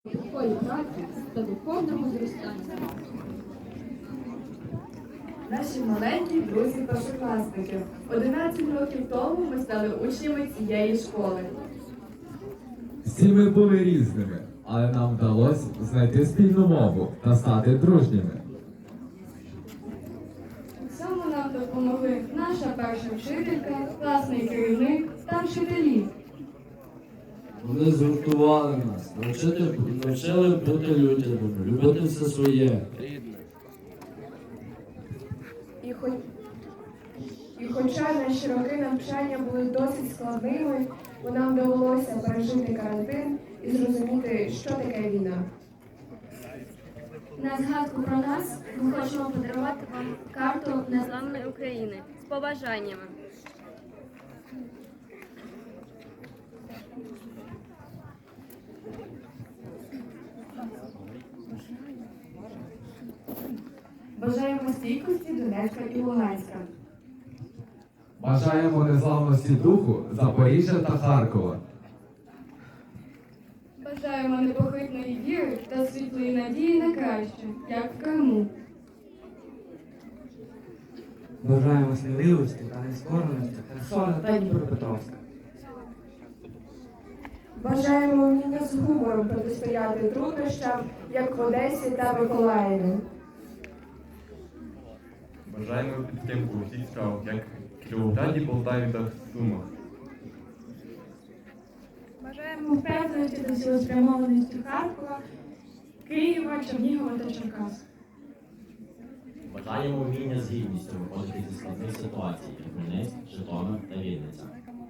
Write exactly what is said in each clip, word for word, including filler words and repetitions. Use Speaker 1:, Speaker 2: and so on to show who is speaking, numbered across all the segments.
Speaker 1: такої праці та духовного зростання.
Speaker 2: Наші маленькі друзі першокласники. одинадцять років тому ми стали учнями цієї школи.
Speaker 3: Всі ми були різними, але нам вдалося знайти спільну мову та стати дружніми.
Speaker 2: У цьому нам допомогли наша перша вчителька, класний керівник та вчителі.
Speaker 4: Вони згуртували нас, навчити, навчили бути людяними, любити все своє.
Speaker 2: І, хоч... І хоча наші роки навчання були досить складними, бо нам довелося пережити карантин і зрозуміти, що таке війна.
Speaker 5: На згадку про нас ми хочемо подарувати вам карту Незламної України з побажаннями.
Speaker 2: Бажаємо стійкості Донецька і Луганська.
Speaker 3: Бажаємо незламності духу Запоріжжя та Харкова.
Speaker 2: Бажаємо непохитної віри та світлої надії на краще, як в Криму.
Speaker 6: Бажаємо сміливості та нескореності Херсона та Дніпропетровська.
Speaker 2: Бажаємо вміння з гумором протистояти труднощам, як в Одесі та Миколаєві.
Speaker 7: Бажаємо підтримку усіх справ, як в Кіровограді, Полтаві та Сумах.
Speaker 2: Бажаємо впевненості та цілеспрямованості Харкова, Києва, Чернігова та Черкас.
Speaker 8: Бажаємо вміння з гідністю виходити зі складних ситуацій, як Хмельницьк, Житомир та Вінниця.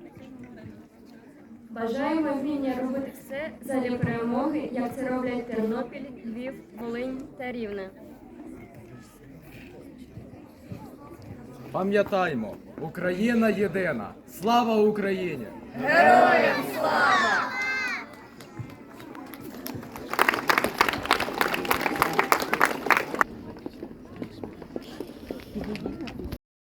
Speaker 5: Бажаємо вміння робити все задля перемоги, як це роблять Тернопіль, Львів, Волинь та Рівне.
Speaker 9: Пам'ятаймо, Україна єдина! Слава Україні!
Speaker 2: Героям слава!